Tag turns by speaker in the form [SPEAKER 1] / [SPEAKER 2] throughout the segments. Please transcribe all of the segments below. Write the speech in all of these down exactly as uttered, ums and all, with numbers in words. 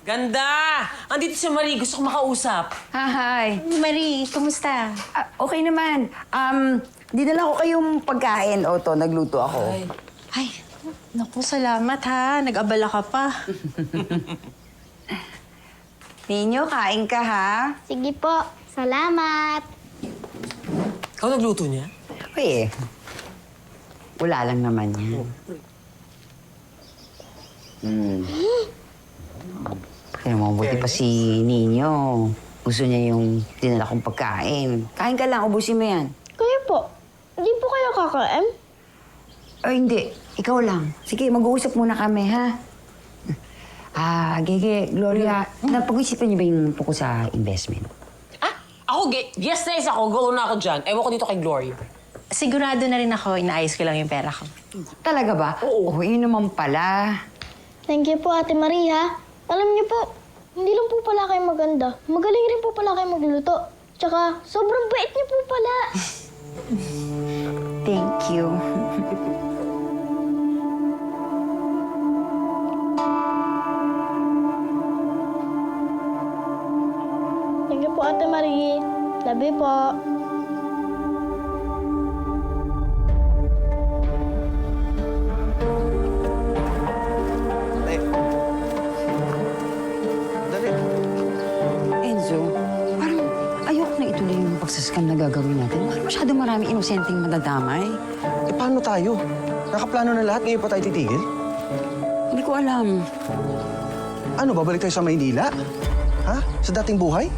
[SPEAKER 1] Ganda! Andito si Marie. Gusto ko makausap.
[SPEAKER 2] Hi.
[SPEAKER 3] Marie, kumusta?
[SPEAKER 2] Ah, okay naman. Um, dinala ko kayong pagkain. O to, nagluto ako.
[SPEAKER 1] Ay.
[SPEAKER 3] Ay, naku, salamat ha. Nag-abala ka pa.
[SPEAKER 2] Ninyo, kain ka ha?
[SPEAKER 4] Sige po. Salamat.
[SPEAKER 1] Ikaw nagluto niya?
[SPEAKER 2] Uy eh. Wala lang naman yan. Hmm. Kaya mo, buti pa si Ninyo. Gusto niya yung dinala kong pagkain. Kain ka lang, ubusin mo yan.
[SPEAKER 4] Kayo po. Hindi po kayo kakain?
[SPEAKER 2] O hindi, ikaw lang. Sige, mag-uusap muna kami, ha? Ah, Gege, Gloria, napag-isipan niyo ba yung tungkol sa investment?
[SPEAKER 1] Ah, ako, ge- yes na yes ako. Go na ako dyan. Ewan ko dito kay Gloria.
[SPEAKER 3] Sigurado na rin ako, inaayos ko lang yung pera ko.
[SPEAKER 2] Talaga ba?
[SPEAKER 1] Oo.
[SPEAKER 2] Oh, yun naman pala.
[SPEAKER 4] Thank you po, Ate Maria. Alam niyo po, hindi lang po pala kayo maganda. Magaling rin po pala kayo magluto. Tsaka, sobrang bait niyo po pala.
[SPEAKER 2] Thank you.
[SPEAKER 4] Thank you po, Ate Marie. Love you po.
[SPEAKER 5] Dali. Dali.
[SPEAKER 2] Enzo, parang ayoko na ituloy yung pagsascam na gagawin natin. Parang masyado marami inosenteng madadamay.
[SPEAKER 5] Eh, paano tayo? Nakaplano na lahat, ngayon pa tayo titigil?
[SPEAKER 2] Hindi ko alam.
[SPEAKER 5] Ano, babalik tayo sa Maynila? Ha? Sa dating buhay?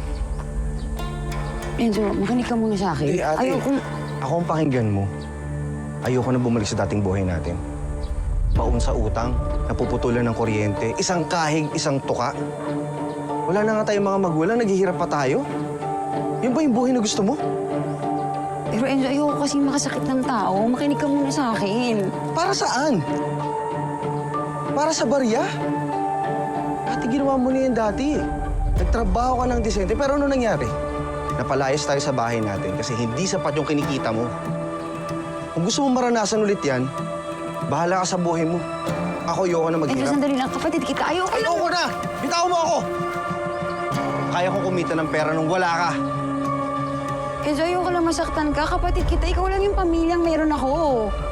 [SPEAKER 2] Enzo, makinig ka muna sa akin.
[SPEAKER 5] Eh, ate,
[SPEAKER 2] Ayoko...
[SPEAKER 5] ako ang pakinggan mo. Ayoko na bumalik sa dating buhay natin. Baon sa utang, napuputulan ng kuryente, isang kahig, isang tuka. Wala na nga tayong mga magulang, naghihirap pa tayo. Yun ba yung buhay na gusto mo?
[SPEAKER 2] Pero Enzo, ayoko kasi makasakit ng tao. Makinig ka muna sa akin.
[SPEAKER 5] Para saan? Para sa barya? Ate, ginawa mo na yan dati. Nagtrabaho ka ng disente, pero ano nangyari? Napalayas tayo sa bahay natin kasi hindi sapat yung kinikita mo. Kung gusto mo maranasan ulit yan, bahala ka sa buhay mo. Ako, ayoko na
[SPEAKER 2] Enzo,
[SPEAKER 5] maghirap.
[SPEAKER 2] sandali lang. Kapatid kita, ayoko lang.
[SPEAKER 5] Ayoko na! Bitaw mo ako! Kaya kong kumita ng pera nung wala ka.
[SPEAKER 2] Enzo, ayoko lang masaktan ka. Kapatid kita, ikaw lang yung pamilyang meron ako.